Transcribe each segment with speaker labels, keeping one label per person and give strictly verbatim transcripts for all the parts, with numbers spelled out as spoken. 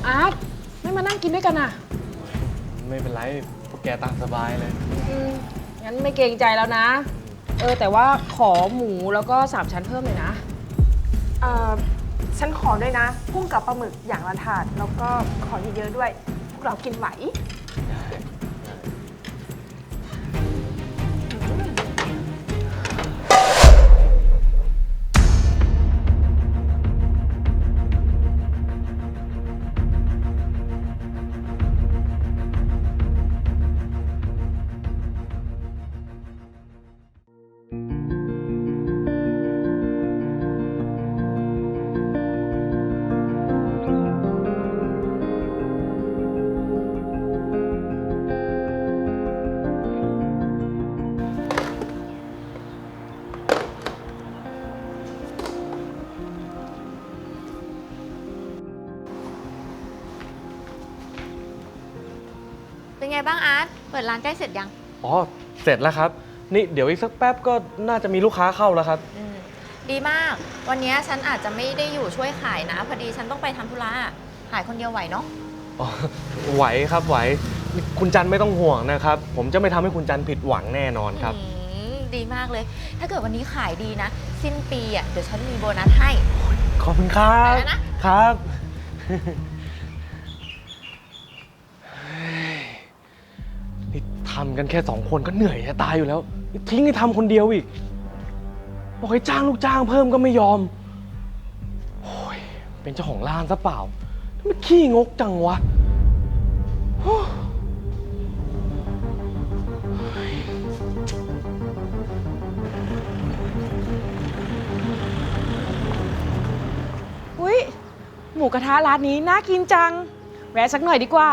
Speaker 1: อาร์ตไม่มานั่งกินด้วยกันอ่ะ
Speaker 2: ไม่เป็นไรพวกแกตามสบายเลย
Speaker 1: อืมงั้นไม่เกรงใจแล้วนะเออแต่ว่าขอหมูแล้วก็สามชั้นเพิ่มเลยนะ
Speaker 3: เอ่อฉันขอด้วยนะกุ้งกับปลาหมึกอย่างละถาดแล้วก็ขอเยอะๆด้วย พวกเรากินไหว
Speaker 4: เป็นไงบ้างอาร์ตเปิดร้านใกล้เสร็จยัง
Speaker 2: อ๋อเสร็จแล้วครับนี่เดี๋ยวอีกสักแป๊บก็น่าจะมีลูกค้าเข้าแล้วครับ
Speaker 4: อืมดีมากวันนี้ฉันอาจจะไม่ได้อยู่ช่วยขายนะพอดีฉันต้องไปทำธุระขายคนเดียวไหวเนาะ
Speaker 2: อ๋อไหวครับไหวคุณจันไม่ต้องห่วงนะครับผมจะไม่ทำให้คุณจันผิดหวังแน่นอนครับ
Speaker 4: ดีมากเลยถ้าเกิดวันนี้ขายดีนะสิ้นปีอ่ะเดี๋ยวฉันมีโบนัสให้
Speaker 2: ขอบคุณครับ
Speaker 4: ไปแล้ว
Speaker 2: นะครับนี่ทำกันแค่สองคนก็เหนื่อยจะตายอยู่แล้วทิ้งให้ทำคนเดียวอีกบอกให้จ้างลูกจ้างเพิ่มก็ไม่ยอมโอ้ยเป็นเจ้าของร้านซะเปล่ามันขี้งกจังวะ
Speaker 1: อุ้ยหมูกระทะร้านนี้น่ากินจังแวะสักหน่อยดีกว่า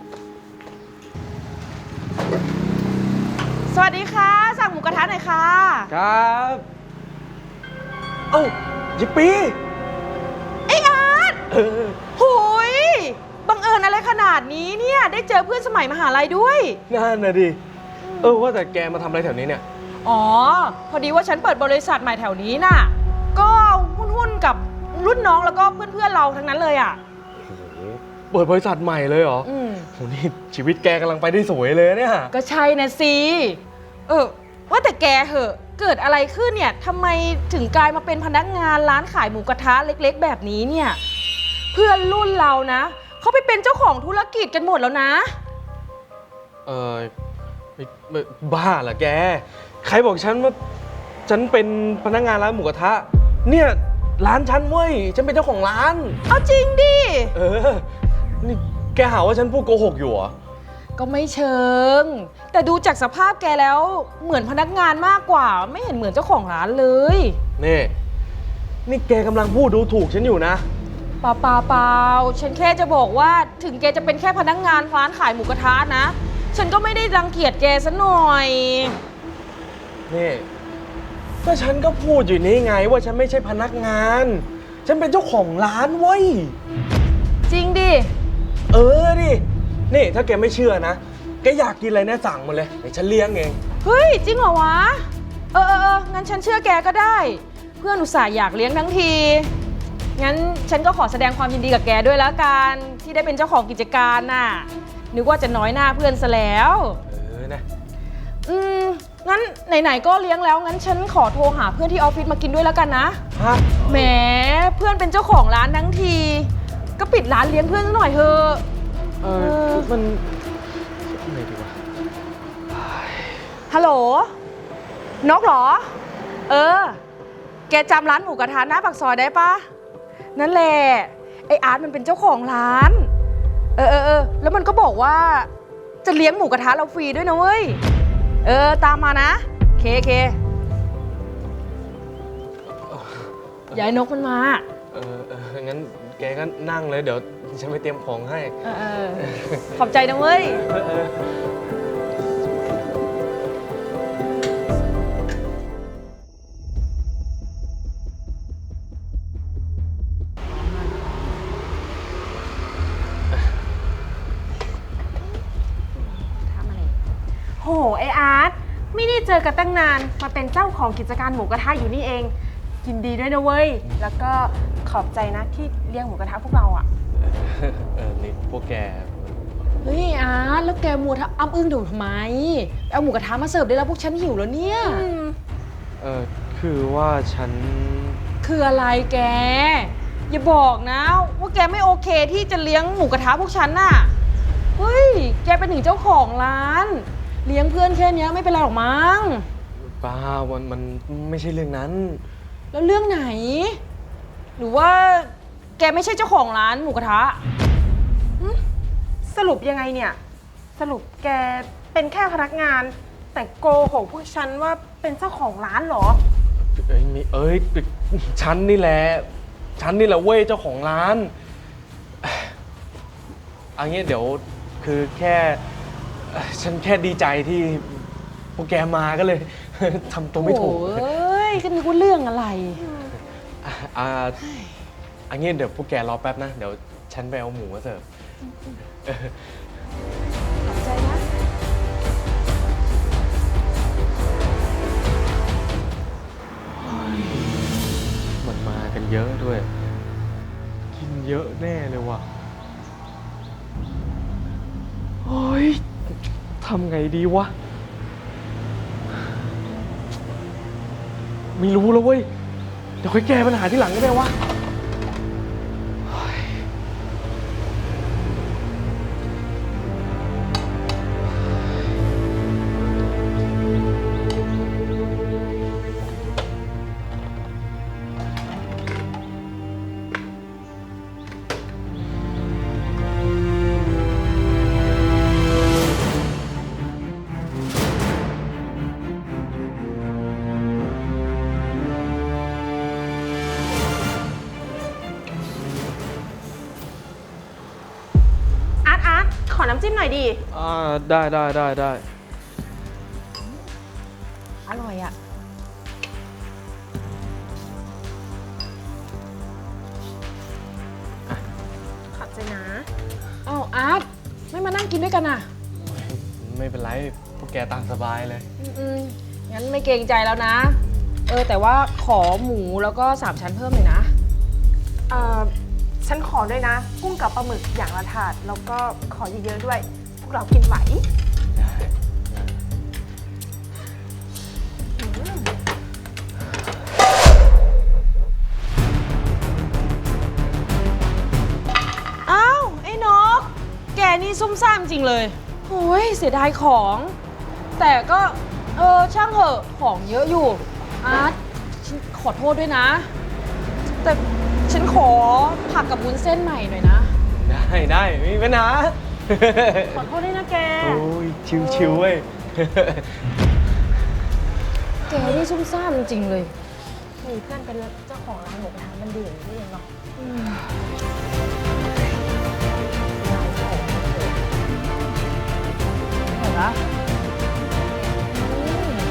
Speaker 1: สวัสดีค่ะสั่งหมูกระทะหน่อยค่ะ
Speaker 2: ครับเอ้ายิปปี
Speaker 1: ไอ้อาร์ต
Speaker 2: เออ
Speaker 1: หุยบังเอิญอะไรขนาดนี้เนี่ยได้เจอเพื่อนสมัยมหาลัยด้วย
Speaker 2: นั่นนะดิเออว่าแต่แกมาทำอะไรแถวนี้เนี่ย
Speaker 1: อ๋อพอดีว่าฉันเปิดบริษัทใหม่แถวนี้น่ะก็หุ้นๆกับรุ่นน้องแล้วก็เพื่อนๆเราทั้งนั้นเลยอ่ะ
Speaker 2: โอ้โหเปิดบริษัทใหม่เลยเหรอ
Speaker 1: อืม
Speaker 2: โหนี่ชีวิตแกกำลังไปได้สวยเลยเนี่ย
Speaker 1: ก็ใช่นะสิเออว่าแต่แกเหอะเกิดอะไรขึ้นเนี่ยทำไมถึงกลายมาเป็นพนักงานร้านขายหมูกระทะเล็กๆแบบนี้เนี่ยเพื่อนรุ่นเรานะเขาไปเป็นเจ้าของธุรกิจกันหมดแล้วนะ
Speaker 2: เออบ้าเหรอแกใครบอกฉันว่าฉันเป็นพนักงานร้านหมูกระทะเนี่ยร้านฉันเว้ยฉันเป็นเจ้าของร้าน
Speaker 1: เอาจริงดิ
Speaker 2: เออนี่แกหาว่าฉันพูดโกหกอยู่เหรอ
Speaker 1: ก็ไม่เชิงแต่ดูจากสภาพแกแล้วเหมือนพนักงานมากกว่าไม่เห็นเหมือนเจ้าของร้านเลย
Speaker 2: นี่นี่แกกำลังพูดดูถูกฉันอยู่นะ
Speaker 1: เปล่าเปล่าเปล่าฉันแค่จะบอกว่าถึงแกจะเป็นแค่พนักงานร้านขายหมูกระทะนะฉันก็ไม่ได้รังเกียจแกซะหน่อย
Speaker 2: นี่ก็ฉันก็พูดอยู่นี่ไงว่าฉันไม่ใช่พนักงานฉันเป็นเจ้าของร้านเว้ย
Speaker 1: จริงดิ
Speaker 2: เออดินี่ถ้าแกไม่เชื่อนะแกอยากกินอะไรนะสั่งมาเลยเดี๋ยวฉันเลี้ยงเอง
Speaker 1: เฮ้ยจริงเหรอวะเออเอองั้นฉันเชื่อแกก็ได้เพื่อนอุตส่าห์อยากเลี้ยงทั้งทีงั้นฉันก็ขอแสดงความยินดีกับแกด้วยแล้วกันที่ได้เป็นเจ้าของกิจการน่ะนึกว่าจะน้อยหน้าเพื่อนซะแล้ว
Speaker 2: เออนะ
Speaker 1: อืมงั้นไหนๆก็เลี้ยงแล้วงั้นฉันขอโทรหาเพื่อนที่ออฟฟิศมากินด้วยแล้วกันนะ
Speaker 2: ฮะ
Speaker 1: แหมเพื่อนเป็นเจ้าของร้านทั้งทีก็ปิดร้านเลี้ยงเพื่อนซะหน่อยเถอะ
Speaker 2: เออมันอะไรดีวะ
Speaker 1: ฮัลโหลนกเหรอเออแกจำร้านหมูกระทะหน้าปากซอยได้ปะนั่นแหละไออาร์ตมันเป็นเจ้าของร้านเออเออเออแล้วมันก็บอกว่าจะเลี้ยงหมูกระทะเราฟรีด้วยนะเว้ยเออตามมานะเคเคยายนกมันมา
Speaker 2: เออเอองั้นแกก็นั่งเลยเดี๋ยวฉันไปเตรียมของให้
Speaker 1: เออเออขอบใจนะเว้ย
Speaker 3: โหไออาร์ตไม่ได้เจอกันตั้งนานมาเป็นเจ้าของกิจการหมูกระทะอยู่นี่เองยินดีด้วยนะเว้ยแล้วก็ขอบใจนะที่เลี้ยงหมูกระทะพวกเราอ่ะ
Speaker 2: เออนี่ว่าแก
Speaker 1: เฮ้ยอาร์ตแล้วแกมัวทำอ้ำอึ้งอยู่ทำไมเอาหมูกระทะมาเสิร์ฟได้แล้วพวกฉันหิวแล้วเนี่ย
Speaker 2: เออคือว่าฉัน
Speaker 1: คืออะไรแก อย่าบอกนะว่าแกไม่โอเคที่จะเลี้ยงหมูกระทะพวกฉันน่ะเฮ้ยแกเป็นถึงเจ้าของร้าน เลี้ยงเพื่อนแค่เนี้ยไม่เป็นไรหรอกมั้ง
Speaker 2: บ้ามันมันไม่ใช่เรื่องนั้น
Speaker 1: แล้วเรื่องไหน หรือว่าแกไม่ใช่เจ้าของร้านหมูกระทะ
Speaker 3: สรุปยังไงเนี่ย สรุปแกเป็นแค่พนักงาน แต่โกหกพวกฉันว่าเป็นเจ้าของร้านเหรอ
Speaker 2: เอ้ยมีเอ้ยฉันนี่แหละฉันนี่แหละเว้ยเจ้าของร้านอันนี้เดี๋ยวคือแค่เอ่อฉันแค่ดีใจที่พวกแกมาก็เลย ทำตัวไม่ถูก
Speaker 1: โอ้ยก็นึกว่าเรื่องอะไร
Speaker 2: อ่ะอ่าอันนี้เดี๋ยวพวกแกรอแป๊บนะ เดี๋ยวฉันไปเอาหมูมาเสิร์ฟ
Speaker 1: ขอบใจนะ
Speaker 2: มันมากันเยอะด้วย กินเยอะแน่เลยว่ะโอ้ยทำไงดีวะ ไม่รู้แล้วเว้ย เดี๋ยวค่อยแก้ปัญหาที่หลังก็ได้วะเฮ้ย
Speaker 3: อาร์ตอาร์ตขอน้ำจิ้มหน่อยดิ
Speaker 2: อ่าได้ได้ได้ได้
Speaker 1: อร่อยอ่ะ
Speaker 3: ขอบใจนะ
Speaker 1: เอ้าอาร์ตไม่มานั่งกินด้วยกันอ่ะ
Speaker 2: ไม่เป็นไร พวกแกตามสบายเลย
Speaker 1: อืมๆงั้นไม่เกรงใจแล้วนะ เออแต่ว่าขอหมูแล้วก็สามชั้นเพิ่มเลยนะ
Speaker 3: เอ่อ ฉันขอด้วยนะ กุ้งกับปลาหมึกอย่างละถาด แล้วก็ขอเยอะๆด้วย พวกเรากินไหว
Speaker 2: ได้
Speaker 1: อ้าวไอ้นก แกนี่ซุ่มซ่ามจริงเลยโอ้ยเสียดายของ แต่ก็เออช่างเหอะของเยอะอยู่ อาร์ตฉันขอโทษด้วยนะ แต่ฉันขอผักกับวุ้นเส้นใหม่หน่อยนะ
Speaker 2: ได้ได้ไม่มีปัญหา
Speaker 3: ขอโทษด้วยนะแก
Speaker 2: โอ้ย ชิวชิวๆเว้ย
Speaker 1: แกนี่ซุ่มซ่ามจริงๆเลย
Speaker 3: มีเพื่อนเป็นเจ้าของร้านหมูกระทะมันดีอย่างนี้เองเนาะ
Speaker 1: เห็นปะอืม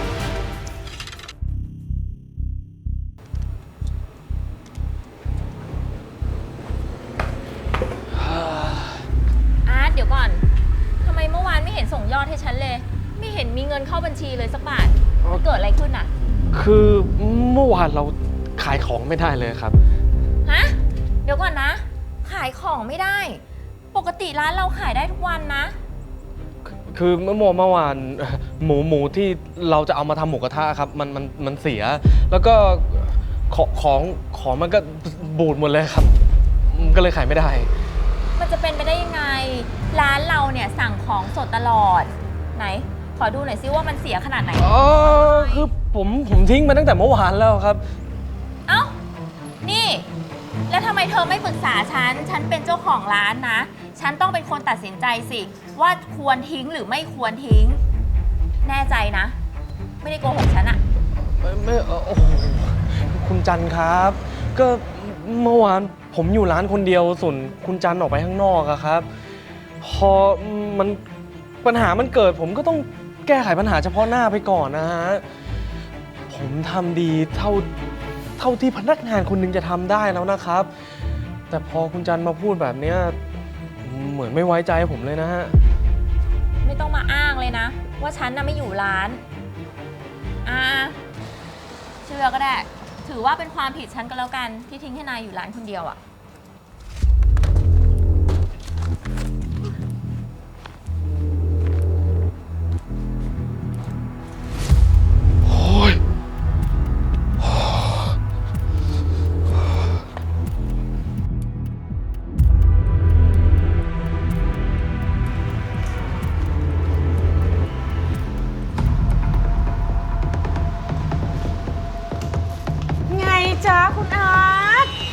Speaker 4: อาร์ตเดี๋ยวก่อน ทำไมเมื่อวานไม่เห็นส่งยอดให้ฉันเลย ไม่เห็นมีเงินเข้าบัญชีเลยสักบาท มันเกิดอะไรขึ้นอ่ะ
Speaker 2: คือเมื่อวานเราขายของไม่ได้เลยครับ
Speaker 4: ฮะ เดี๋ยวก่อนนะ ขายของไม่ได้ ปกติร้านเราขายได้ทุกวันนะ
Speaker 2: คือเมื่อเมื่อวานหมูหมูที่เราจะเอามาทำหมูกระทะครับ มันมันมันเสีย แล้วก็ของของของมันก็บูดหมดเลยครับ ก็เลยขายไม่ได้
Speaker 4: มันจะเป็นไปได้ยังไง ร้านเราเนี่ยสั่งของสดตลอด ไหน ขอดูหน่อยซิว่ามันเสียขนาดไหน
Speaker 2: อ๋อ คือผมผมทิ้งมาตั้งแต่เมื่อวานแล้วครับ
Speaker 4: เอ้า นี่ แล้วทำไมเธอไม่ปรึกษาฉัน ฉันเป็นเจ้าของร้านนะ ฉันต้องเป็นคนตัดสินใจสิ ว่าควรทิ้งหรือไม่ควรทิ้ง แน่ใจนะ ไม่ได้โกหกฉันอะ
Speaker 2: ไม่ไม่เอ่อโอ้โหคุณจันครับ ก็เมื่อวานผมอยู่ร้านคนเดียวส่วนคุณจันออกไปข้างนอกอะครับ พอมันปัญหามันเกิด ผมก็ต้องแก้ไขปัญหาเฉพาะหน้าไปก่อนนะฮะ ผมทำดีเท่าเท่าที่พนักงานคนหนึงจะทำได้แล้วนะครับ แต่พอคุณจันมาพูดแบบเนี้ยเหมือนไม่ไว้ใจผมเลยนะฮะ
Speaker 4: ไม่ต้องมาอ้างเลยนะ ว่าฉันน่ะไม่อยู่ร้าน อ่า เชื่อก็ได้ ถือว่าเป็นความผิดฉันก็แล้วกันที่ทิ้งให้นายอยู่ร้านคนเดียวอะ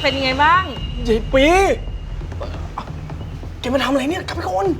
Speaker 1: เป็นยังไงบ้าง
Speaker 2: ยายปีแกมาทำอะไรเนี่ยกลับไปก่อน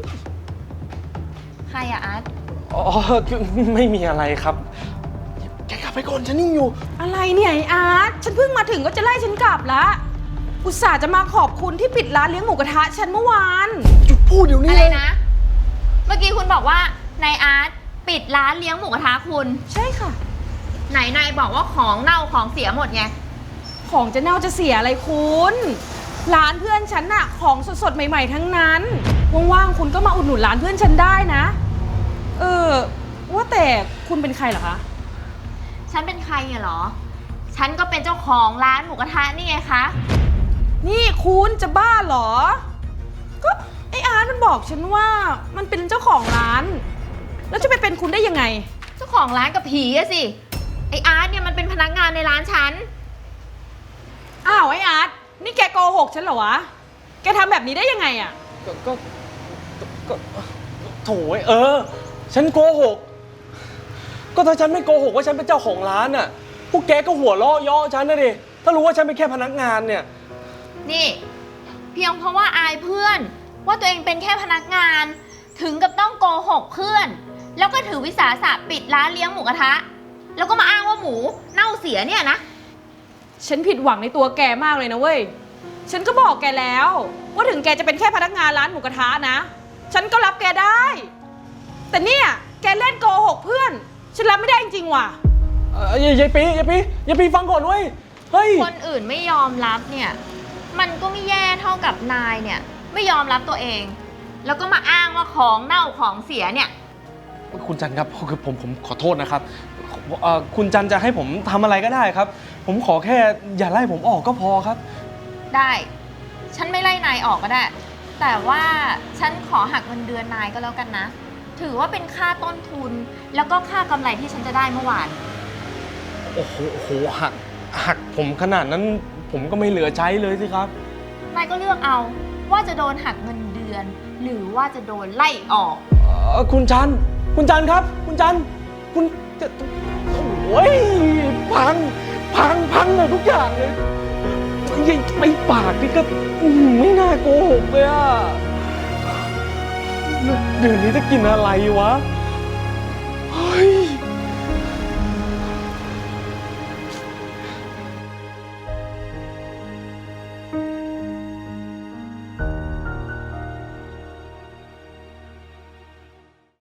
Speaker 4: ใครอะอาร์ต
Speaker 2: อ๋อคือไม่มีอะไรครับ แกกลับไปก่อนฉันนิ่งอยู่
Speaker 1: อะไรเนี่ยไอ้อาร์ตฉันเพิ่งมาถึงก็จะไล่ฉันกลับละอุตส่าห์จะมาขอบคุณที่ปิดร้านเลี้ยงหมูกระทะฉันเมื่อวาน
Speaker 2: หยุดพูดเดี๋ยวนี้
Speaker 4: อะไร
Speaker 2: เลย
Speaker 4: นะ เมื่อกี้คุณบอกว่านายอาร์ตปิดร้านเลี้ยงหมูกระทะคุณ
Speaker 1: ใช่ค่ะ
Speaker 4: ไหนนายบอกว่าของเน่าของเสียหมดไง
Speaker 1: ของจะเน่าจะเสียอะไรคุณร้านเพื่อนฉันน่ะของสดๆใหม่ๆทั้งนั้นว่างๆคุณก็มาอุดหนุนร้านเพื่อนฉันได้นะเออว่าแต่คุณเป็นใครเหรอคะ
Speaker 4: ฉันเป็นใครอะเหรอ ฉันก็เป็นเจ้าของร้านหมูกระทะนี่ไงคะ
Speaker 1: นี่คุณจะบ้าเหรอ ก็ไออาร์ตมันบอกฉันว่ามันเป็นเจ้าของร้าน แล้วจะไปเป็นคุณได้ยังไง
Speaker 4: เจ้าของร้านกับผีอะสิ ไออาร์ตเนี่ยมันเป็นพนักงานในร้านฉัน
Speaker 1: อ้าวไออาร์ตนี่แกโกหกฉันเหรอวะ แกทำแบบนี้ได้ยังไงอะ
Speaker 2: ก็ก็ก็โถ่เออ ฉันโกหก ก็ถ้าฉันไม่โกหกว่าฉันเป็นเจ้าของร้านน่ะ พวกแกก็หัวเราะเยาะฉันนะดิ ถ้ารู้ว่าฉันเป็นแค่พนักงานเนี่ย
Speaker 4: นี่ เพียงเพราะว่าอายเพื่อน ว่าตัวเองเป็นแค่พนักงาน ถึงกับต้องโกหกเพื่อน แล้วก็ถือวิสาสะปิดร้านเลี้ยงหมูกระทะ แล้วก็มาอ้างว่าหมูเน่าเสียเนี่ยนะ
Speaker 1: ฉันผิดหวังในตัวแกมากเลยนะเว้ย ฉันก็บอกแกแล้ว ว่าถึงแกจะเป็นแค่พนักงานร้านหมูกระทะนะ ฉันก็รับแกได้ แต่เนี่ยแกเล่นโกหกเพื่อน ฉันรับไม่ได้จริงๆว่ะ
Speaker 2: เอ่อยายปียายปียายปีฟังก่อนเว้ย เฮ้ย
Speaker 4: คนอื่นไม่ยอมรับเนี่ย มันก็ไม่แย่เท่ากับนายเนี่ย ไม่ยอมรับตัวเอง แล้วก็มาอ้างว่าของเน่าของเสียเนี่ย
Speaker 2: คุณจันครับคือผมผมขอโทษนะครับเอ่อคุณจันจะให้ผมทำอะไรก็ได้ครับ ผมขอแค่อย่าไล่ผมออกก็พอครับ
Speaker 4: ได้ ฉันไม่ไล่นายออกก็ได้ แต่ว่าฉันขอหักเงินเดือนนายก็แล้วกันนะ ถือว่าเป็นค่าต้นทุน แล้วก็ค่ากำไรที่ฉันจะได้เมื่อวาน
Speaker 2: โอ้โหโอ้โหหักหักผมขนาดนั้นผมก็ไม่เหลือใช้เลยสิครับ
Speaker 4: นายก็เลือกเอาว่าจะโดนหักเงินเดือน หรือว่าจะโดนไล่ออก
Speaker 2: เอ่อคุณจัน คุณจันครับ คุณจัน คุณจะโอ้ยพัง พัง พังเลยทุกอย่างเลยไอ้ไอ้ปากนี่ก็อื้อหือไม่น่าโกหกเลยอะเดือนนี้จะกินอะไรวะ